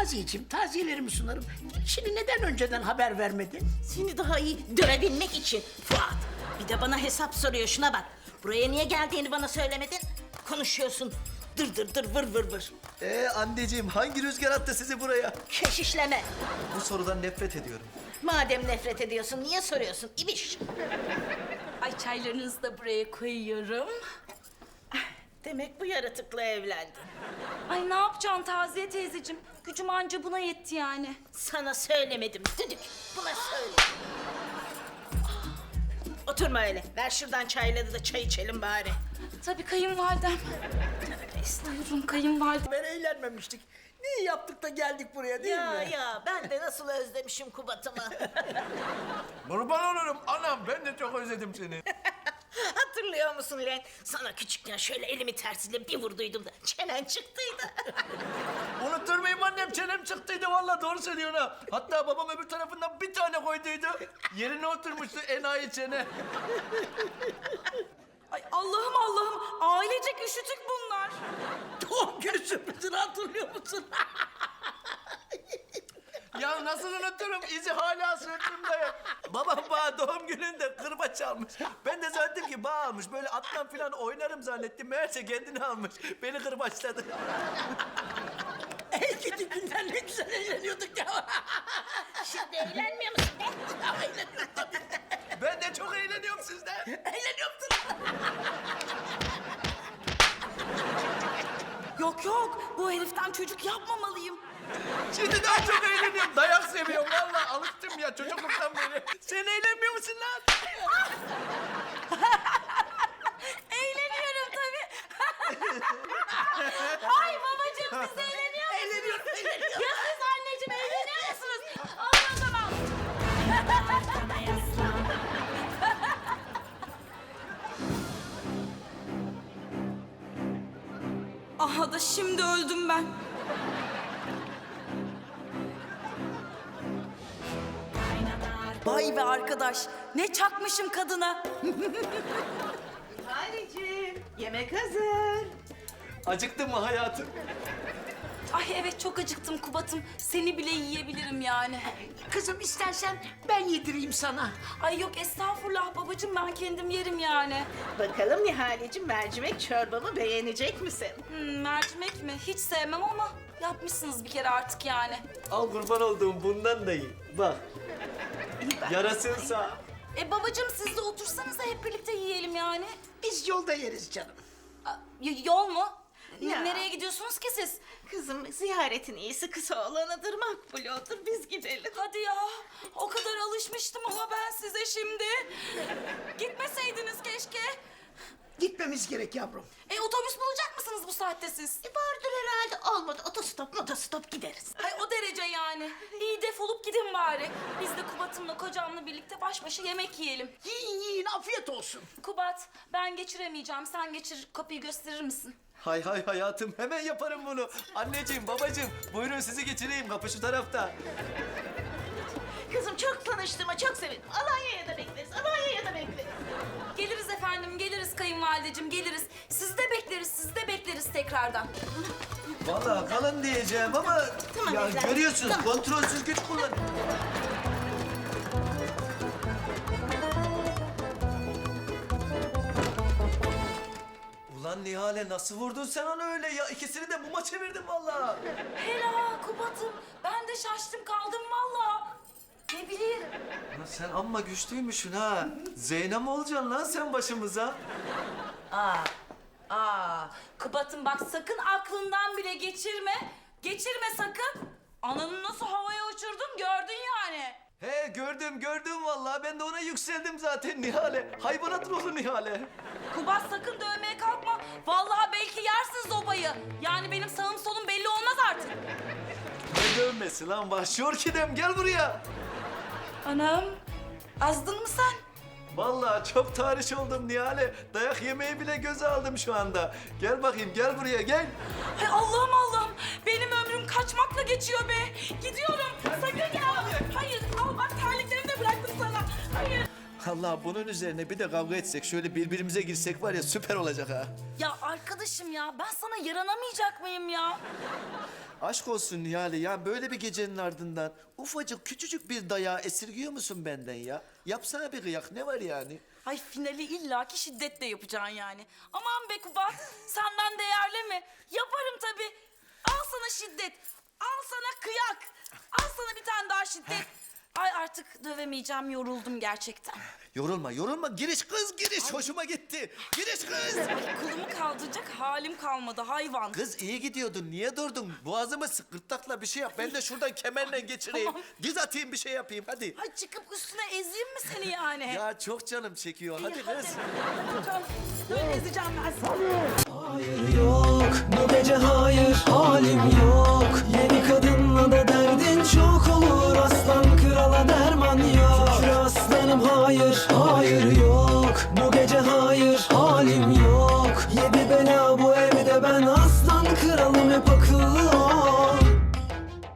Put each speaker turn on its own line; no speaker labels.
Taziyeciğim, taziyelerimi sunarım. Şimdi neden önceden haber vermedin?
Seni daha iyi dövebilmek için Fuat. Bir de bana hesap soruyor, şuna bak. Buraya niye geldiğini bana söylemedin. Konuşuyorsun. Dır dır dır vır vır vır.
Anneciğim hangi rüzgar attı sizi buraya?
Keşişleme.
Bu sorudan nefret ediyorum.
Madem nefret ediyorsun niye soruyorsun İbiş?
Ay çaylarınızı da buraya koyuyorum.
Demek bu yaratıkla evlendin.
Ay ne yapacaksın Taziye teyzeciğim? Gücüm anca buna yetti yani.
Sana söylemedim düdük. Buna söyle. Oturma öyle. Ver şuradan çayları da çay içelim bari.
Tabii kayınvalidem. Buyurun kayınvalidem.
Ben eğlenmemiştik. Niye yaptık da geldik buraya değil
Ya
mi?
ya ben de nasıl özlemişim Kubat'ımı.
Kurban olurum anam, ben de çok özledim seni.
Hatırlıyor musun lan? Sana küçükken şöyle elimi tersiyle bir vurduydum da çenen çıktıydı.
Unutur muyum annem, çenem çıktıydı vallahi, doğru söylüyorsun ha. Hatta babam öbür tarafından bir tane koyduydu. Yerine oturmuştu enayi çene.
Ay Allah'ım Allah'ım ailecek üşütük bunlar.
Doğum günü sürprizini hatırlıyor musun?
Ya nasıl unuturum, izi hala sırtımda. Babam bana doğum gününde kırbaç almış. Ben de zannettim ki bağ almış. Böyle atlan falan oynarım zannettim. Meğerse kendini almış. Beni kırbaçladı.
En kötü günler ne güzel eğleniyorduk ya.
Şimdi eğlenmiyor musun?
Eğleniyorduk tabii.
Ben de çok eğleniyorum sizden.
Eğleniyorduk.
Yok yok bu heriften çocuk yapmamalıyım.
Şimdi daha çok eğleniyorum. Dayak seviyorum vallahi. Alıştım ya çocukluktan beri. Sen eğlenmiyor musun lan?
Eğleniyorum tabii. Ay babacığım siz eğleniyor musunuz?
Eğleniyorum, eğleniyorum.
Ya siz anneciğim eğleniyor musunuz? Olmaz o zaman. Aha da şimdi öldüm ben. Vay be arkadaş, ne çakmışım kadına.
Halicim yemek hazır.
Acıktın mı hayatım?
Ay evet çok acıktım Kubat'ım. Seni bile yiyebilirim yani.
Kızım istersen ben yedireyim sana.
Ay yok estağfurullah babacığım ben kendim yerim yani.
Bakalım Nihal'cim mercimek çorbamı beğenecek misin?
Mercimek mi? Hiç sevmem ama yapmışsınız bir kere artık yani.
Al kurban olduğum bundan da iyi. Bak. Yarasınsa.
Babacığım siz de otursanıza hep birlikte yiyelim yani.
Biz yolda yeriz canım.
Yol mu?
Ya.
Nereye gidiyorsunuz ki siz?
Kızım ziyaretin iyisi kısa olanıdır, makbul odur, biz gidelim.
Hadi ya. O kadar alışmıştım ama ben size şimdi. Gitmeseydiniz keşke.
Gitmemiz gerek yavrum.
Otobüs bulacak mısınız bu saatte siz?
Vardır herhalde, olmadı otostop gideriz.
Ay o derece yani. İyi defolup gidin bari. Biz de Kubat'ımla kocamla birlikte baş başa yemek yiyelim.
Yiyin yiyin afiyet olsun.
Kubat ben geçiremeyeceğim. Sen geçir kapıyı gösterir misin?
Hay hay hayatım hemen yaparım bunu. Anneciğim babacığım buyurun sizi geçireyim, kapı şu tarafta.
Kızım çok tanıştığıma çok sevindim. Alanya'ya da bekleriz, Alanya'ya da bekleriz.
Geliriz efendim, geliriz kayınvalideciğim, geliriz. Sizi de bekleriz, sizi de bekleriz tekrardan.
Vallahi kalın diyeceğim ama
Tamam
ya
evladım,
görüyorsunuz
tamam.
kontrolsüz güç kullan. Ulan Nihale nasıl vurdun sen onu öyle ya? İkisini de muma çevirdin vallahi.
Hela Kubat'ım, ben de şaştım kaldım vallahi. Ne bileyim.
Ulan sen amma güçlüymüşsün ha. Zeynep olacaksın lan sen başımıza.
Kubat'ım bak sakın aklından bile geçirme. Geçirme sakın. Ananı nasıl havaya uçurdum gördün yani.
He gördüm vallahi. Ben de ona yükseldim zaten Nihale. Hayvanat ruhlu Nihale.
Kubat sakın dövmeye kalkma. Vallahi belki yersin zobayı. Yani benim sağım solum belli olmaz artık.
Ne dövmesi lan vahşi orkidem gel buraya.
Anam, azdın mı sen?
Vallahi çok tarih oldum Nihale. Dayak yemeyi bile göze aldım şu anda. Gel bakayım gel buraya gel.
Ay Allah'ım Allah'ım. Benim ömrüm kaçmakla geçiyor be. Gidiyorum. Sakın gel. Hayır al bak terliklerimi de bıraktım sana. Hayır.
Allah bunun üzerine bir de kavga etsek, şöyle birbirimize girsek var ya süper olacak ha.
Ya arkadaşım ya ben sana yaranamayacak mıyım ya?
Aşk olsun Nihale ya, böyle bir gecenin ardından ufacık küçücük bir dayağı esirgiyor musun benden ya? Yapsana bir kıyak, ne var yani?
Ay finali illaki şiddetle yapacaksın yani. Aman be Kubat senden değerli mi? Yaparım tabii. Al sana şiddet. Al sana kıyak. Al sana bir tane daha şiddet. Ay artık dövemeyeceğim yoruldum gerçekten.
Yorulma, yorulma. Giriş kız, giriş. Hoşuma gitti. Giriş kız.
Kolumu kaldıracak halim kalmadı hayvan.
Kız iyi gidiyordun. Niye durdun? Boğazımı sık, gırtlakla bir şey yap. Ben de şuradan kemerle geçireyim.
Tamam.
Diz atayım, bir şey yapayım. Hadi.
Ay çıkıp üstüne ezeyim mi seni yani?
Ya çok canım çekiyor.
İyi,
Hadi kız.
Hadi canım. Böyle ezeceğim ben seni.
Hayır yok, bu gece hayır, halim yok. Yeni kadınla da derdin çok olur, aslan krala derman yok. Şükür aslanım hayır, hayır yok. Bu gece hayır, halim yok. Yedi bela bu evde, ben aslan kralım hep